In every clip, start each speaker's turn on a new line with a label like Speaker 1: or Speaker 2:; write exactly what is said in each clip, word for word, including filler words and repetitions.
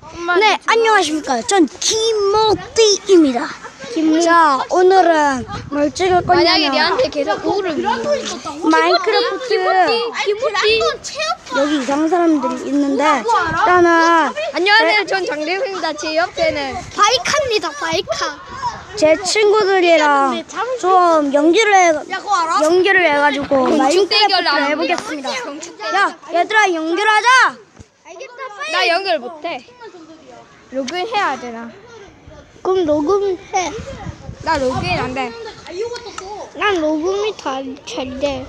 Speaker 1: 네, 안녕하십니까. 전 김모띠입니다. 자, 오늘은 뭘 찍을
Speaker 2: 만약에
Speaker 1: 거냐면
Speaker 2: 내한테 계속 우를
Speaker 1: 마인크래프트
Speaker 2: 김우띠
Speaker 1: 여기 이상한 사람들이 있는데 일단은
Speaker 2: 안녕하세요. 전 장대웅입니다. 제 옆에는
Speaker 3: 바이카입니다. 바이카.
Speaker 1: 제 친구들이랑 좀 연기를 해, 연기를 해가지고 마인크래프트를
Speaker 2: 대결
Speaker 1: 해보겠습니다.
Speaker 2: 경축
Speaker 1: 야, 얘들아 연결하자.
Speaker 2: 나 연결 못해. 로그인 해야 되나?
Speaker 3: 그럼 녹음해.
Speaker 2: 나 로그인 안 돼.
Speaker 3: 난 녹음이 다 잘 돼.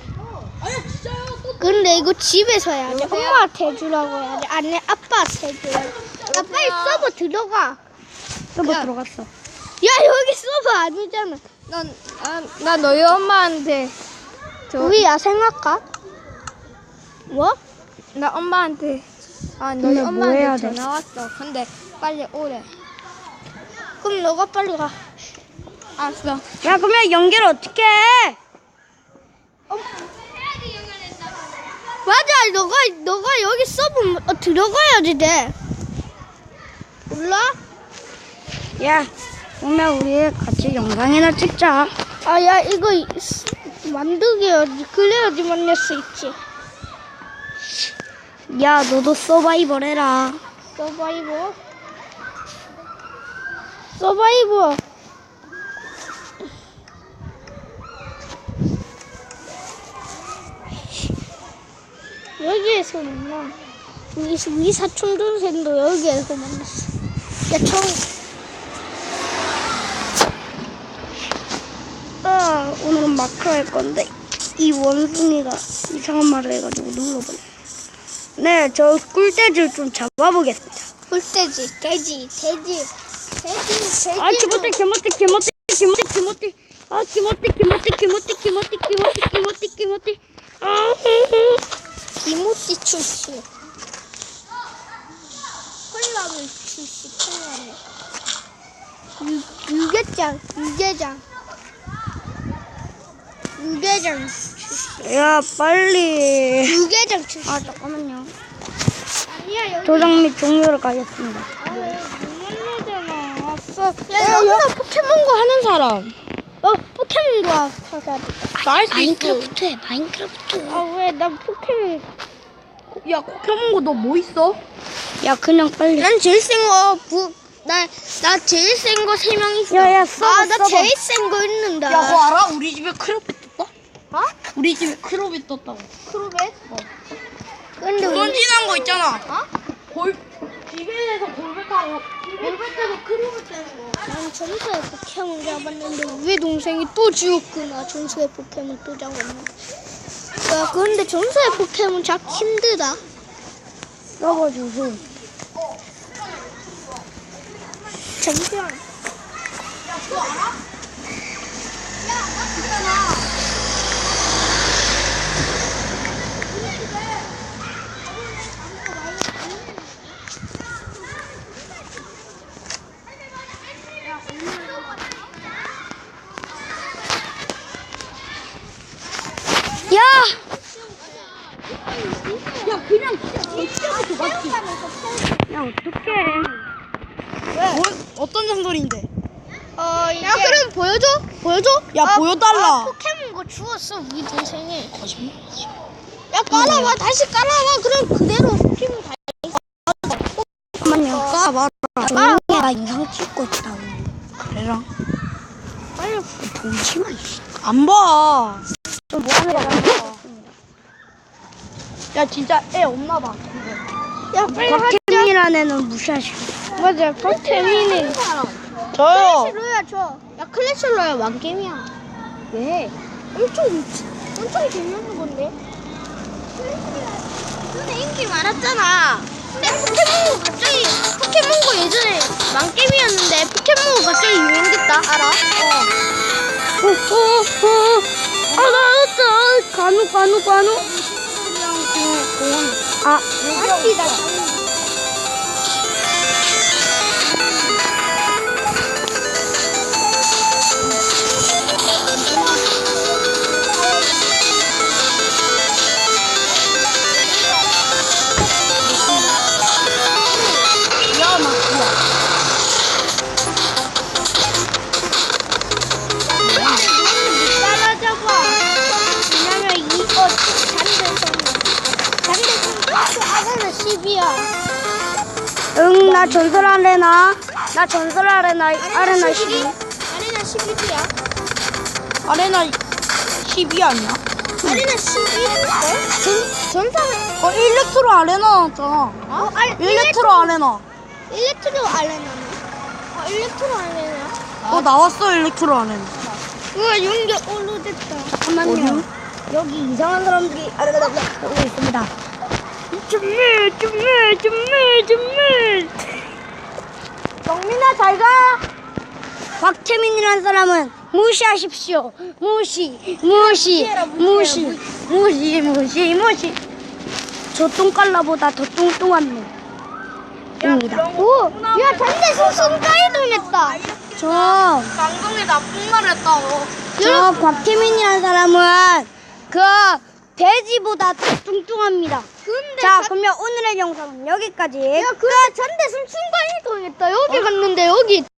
Speaker 3: 근데 이거 집에서 해야 돼. 엄마한테 해주라고 해야 돼. 아니 아빠한테 해줘야 돼. 야 빨리 서버 들어가.
Speaker 1: 서버
Speaker 2: 야.
Speaker 1: 들어갔어.
Speaker 3: 야 여기 서버 아니잖아.
Speaker 2: 난, 아, 나 너희 엄마한테 저,
Speaker 3: 우리 야생할까? 뭐?
Speaker 2: 나 엄마한테 아 너희
Speaker 1: 근데 뭐
Speaker 2: 엄마한테
Speaker 1: 해야 돼?
Speaker 2: 전화 왔어. 근데 빨리 오래.
Speaker 3: 그럼 너가 빨리 가.
Speaker 2: 알았어.
Speaker 1: 야, 그러면 연결 어떻게 해?
Speaker 3: 맞아. 너가 너가 여기 서버 어, 들어가야지 돼. 몰라?
Speaker 1: 야, 그러면 우리 같이 영상이나 찍자.
Speaker 3: 아 야 이거 이- 만들기 해야지. 그래야지 만날 수 있지.
Speaker 1: 야, 너도 서바이벌 해라.
Speaker 3: 서바이버. 서바이버. 여기에서 만나. 우리, 우리 사촌 동생도 여기에서 만났어. 야, 청.
Speaker 1: 아, 오늘은 마크 할 건데 이 원숭이가 이상한 말을 해가지고 눌러버려. 네, 저 꿀돼지를 좀 잡아보겠습니다.
Speaker 3: 꿀돼지, 돼지, 돼지, 돼지, 돼지.
Speaker 1: 아, 기모띠, 기모띠, 기모띠, 기모띠, 기모띠. 아, 기모띠, 기모띠, 기모띠, 기모띠, 기모띠, 기모띠, 기모띠. 아,
Speaker 3: 기모띠 출시. 콜라물 출시, 콜라물. 유, 유계장, 유계장. 유계장 출시.
Speaker 1: 야, 빨리.
Speaker 3: 유계장 출시.
Speaker 1: 아, 잠깐만요.
Speaker 3: 아니야, 여기.
Speaker 1: 도장 및 종료를 가겠습니다.
Speaker 3: 아, 못만나잖아. 아싸. 야, 여기다 포켓몬고 하는 사람. 어, 포켓몬고 하자.
Speaker 2: 나할 수
Speaker 1: 마인크래프트 해, 마인크래프트.
Speaker 3: 아, 왜? 난 포켓몬.
Speaker 2: 야, 포켓몬고 너 뭐 있어?
Speaker 1: 야, 그냥 빨리.
Speaker 3: 난 제일 센 거, 부, 나, 나 제일 센 거 세 명 있어.
Speaker 1: 야, 야, 써봐,
Speaker 3: 아, 나
Speaker 1: 써봐.
Speaker 3: 제일 센 거 있는데.
Speaker 2: 야, 그거 알아? 우리 집에 크로벳 떴다?
Speaker 3: 어?
Speaker 2: 우리 집에 크로벳 떴다고.
Speaker 3: 크로벳? 어. 근데 우리,
Speaker 2: 던진한 거 있잖아.
Speaker 3: 어?
Speaker 2: 골, 집에서 골벳하고, 골벳에서 크로벳 되는 거.
Speaker 3: 난 전설의 포켓몬 잡았는데 우리 동생이 또 죽었구나. 전설의 포켓몬 또 잡았네. 야, 근데 전설의 포켓몬 잡기 힘들다.
Speaker 1: 써봐주세요.
Speaker 3: 잠시만.
Speaker 1: 야!
Speaker 2: 야, 그냥 진짜 진짜부터 맞지?
Speaker 1: 야, 어떡해.
Speaker 2: 뭐, 어떤 장소인데?
Speaker 3: 어, 이게... 야, 그럼 보여줘? 보여줘?
Speaker 2: 야,
Speaker 3: 아,
Speaker 2: 보여달라.
Speaker 3: 아, 포켓몬 거 주웠어, 우리 동생이. 야, 깔아봐. 다시 깔아봐. 그럼 그대로 포켓몬 다.
Speaker 1: 잠깐만요.
Speaker 2: 까봐라.
Speaker 1: 조용히 해. 나 영상 찍고 있다고.
Speaker 2: 그래라.
Speaker 1: 빨리 보지마.
Speaker 2: 안 봐.
Speaker 1: 좀 뭐하는 거야?
Speaker 2: 야, 진짜 애 없나 봐.
Speaker 3: 야, 빨리 하자.
Speaker 1: 곽태민이라는 애는 무시하시고.
Speaker 3: 맞아, 곽태민이.
Speaker 2: 저요.
Speaker 3: 클래시로야, 저. 야, 클래시로야, 왕게임이야.
Speaker 2: 왜?
Speaker 3: 엄청, 엄청 재밌는 건데. 근데 인기 많았잖아. 근데 포켓몬고 갑자기, 포켓몬고 예전에 왕게임이었는데, 포켓몬고 갑자기 유행됐다. 알아? 어.
Speaker 1: 어, 어, 어. 아, 나, 나, 간우, 간우, 간우. 아,
Speaker 3: 아니다.
Speaker 2: 야, 나
Speaker 1: 나 전설 아레나. 나 전설 아레나, 아레나 십이.
Speaker 3: 아레나 십일이야.
Speaker 2: 아레나 십이 아니야?
Speaker 3: 아레나 십일일걸? 전, 전사는
Speaker 2: 어, 일렉트로 아레나 나왔잖아.
Speaker 3: 어? 아,
Speaker 2: 일렉트로 아레나.
Speaker 3: 일렉트로 아레나네. 어, 일렉트로 아레나.
Speaker 2: 어, 나왔어, 일렉트로 아레나.
Speaker 3: 우와, 연결 오르됐다.
Speaker 1: 잠깐만요. 여기 이상한 사람들이 아레나 하고 있습니다. 준비, 준비, 준비, 준비. 정민아, 잘 가. 곽태민이라는 사람은 무시하십시오. 무시, 무시, 무시, 무시, 무시, 무시. 저 똥깔라보다 더 뚱뚱한 놈입니다.
Speaker 3: 오, 야, 단대 순간이동했다.
Speaker 1: 저,
Speaker 2: 방송에 나쁜 말 했다고.
Speaker 1: 저 곽태민이라는 사람은 그 돼지보다 더 뚱뚱합니다.
Speaker 3: 근데
Speaker 1: 자,
Speaker 3: 자-
Speaker 1: 그러면 오늘의 영상은 여기까지.
Speaker 3: 야, 그래, 잔대순 순간이동했다. 여기 갔는데 여기